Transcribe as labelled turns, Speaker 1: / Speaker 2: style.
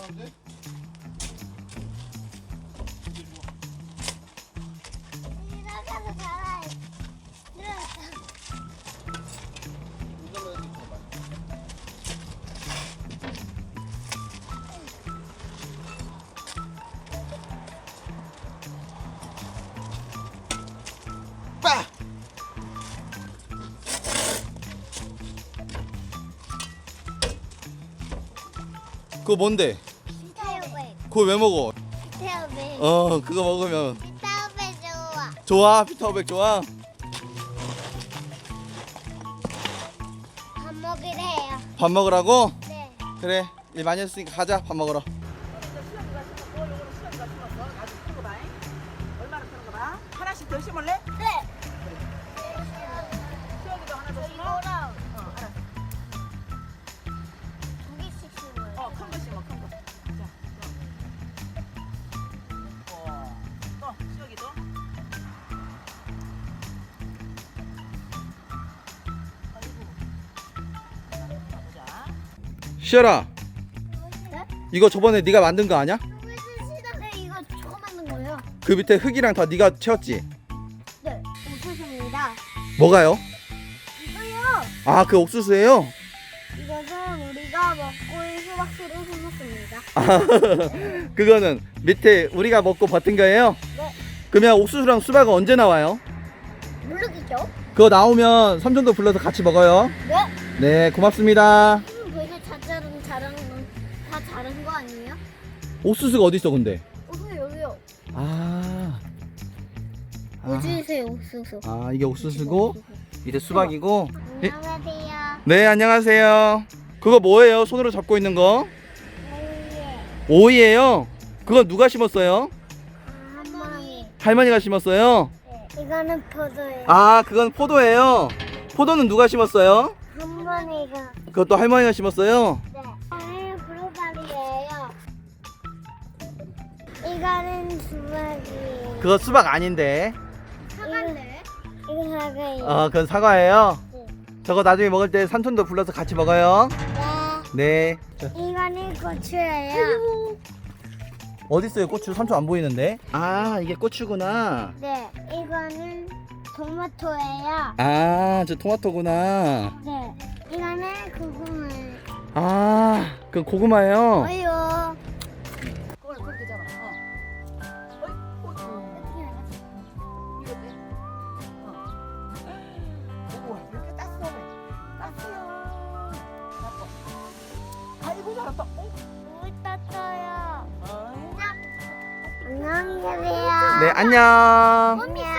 Speaker 1: 그거 뭔데?
Speaker 2: 피타오백.
Speaker 1: 그거 왜 먹어?
Speaker 2: 피타오백.
Speaker 1: 그거 먹으면
Speaker 2: 피타오백 좋아.
Speaker 1: 좋아? 피타오백 좋아?
Speaker 2: 밥 먹으래요.
Speaker 1: 밥 먹으라고?
Speaker 2: 네.
Speaker 1: 그래, 일 많이 했으니까 가자. 밥 먹으러.
Speaker 3: 얼마나 크는 거 봐. 하나씩 더 심을래?
Speaker 2: 네.
Speaker 3: 수영이도 하나 더 심어?
Speaker 2: 이거랑
Speaker 3: 알았어.
Speaker 2: 두 개씩 심어요.
Speaker 3: 큰 거 심어, 큰 거. 자, 또 수영이도. 아이고. 보자.
Speaker 1: 시열아,
Speaker 2: 네?
Speaker 1: 이거 저번에 네가 만든 거 아니야?
Speaker 2: 무슨 시간에 이거 저거 만든 거예요?
Speaker 1: 그 밑에 흙이랑 다 네가 채웠지?
Speaker 2: 네. 옥수수입니다.
Speaker 1: 뭐가요?
Speaker 2: 이거요.
Speaker 1: 아, 그 옥수수예요?
Speaker 2: 이것은 우리가 먹고 수박수를 심었습니다.
Speaker 1: 그거는 밑에 우리가 먹고 버틴 거예요?
Speaker 2: 네.
Speaker 1: 그러면 옥수수랑 수박은 언제 나와요?
Speaker 2: 모르겠죠?
Speaker 1: 그거 나오면 삼촌도 불러서 같이 먹어요.
Speaker 2: 네.
Speaker 1: 네, 고맙습니다.
Speaker 2: 벌써 다 자른 거 아니에요?
Speaker 1: 옥수수가 어디 있어, 근데?
Speaker 2: 옥수수 여기요.
Speaker 1: 아,
Speaker 2: 옥수수요, 옥수수.
Speaker 1: 아, 이게 옥수수고 이제 수박이고. 예?
Speaker 2: 안녕하세요.
Speaker 1: 네, 안녕하세요. 그거 뭐예요? 손으로 잡고 있는 거? 오이예요. 그건 누가 심었어요?
Speaker 2: 할머니.
Speaker 1: 할머니가 심었어요.
Speaker 2: 네. 이거는 포도예요.
Speaker 1: 아, 그건 포도예요. 포도는 누가 심었어요?
Speaker 2: 할머니가.
Speaker 1: 그것도 할머니가 심었어요.
Speaker 2: 네. 이거는 브로콜리예요. 이거는 수박이에요.
Speaker 1: 그거 수박 아닌데.
Speaker 2: 사과인데? 이거 사과예요.
Speaker 1: 그건 사과예요.
Speaker 2: 네.
Speaker 1: 저거 나중에 먹을 때 삼촌도 불러서 같이 먹어요.
Speaker 2: 네.
Speaker 1: 네.
Speaker 2: 이거는 고추예요.
Speaker 1: 어디 있어요? 고추 삼촌 안 보이는데. 아, 이게 고추구나.
Speaker 2: 네. 이거는 토마토예요.
Speaker 1: 아, 저 토마토구나.
Speaker 2: 네. 이거는 고구마예요.
Speaker 1: 아, 그 고구마예요.
Speaker 2: 어요.
Speaker 3: 그걸 그렇게 잡아.
Speaker 2: 어떻게 알았어?
Speaker 3: 이거 돼? 우와, 이렇게 땄어. 땄어요. 아이고, 잘했다.
Speaker 2: 물 떴어요.
Speaker 3: 어이.
Speaker 2: 안녕히 계세요.
Speaker 1: 네, 안녕.
Speaker 2: 안녕.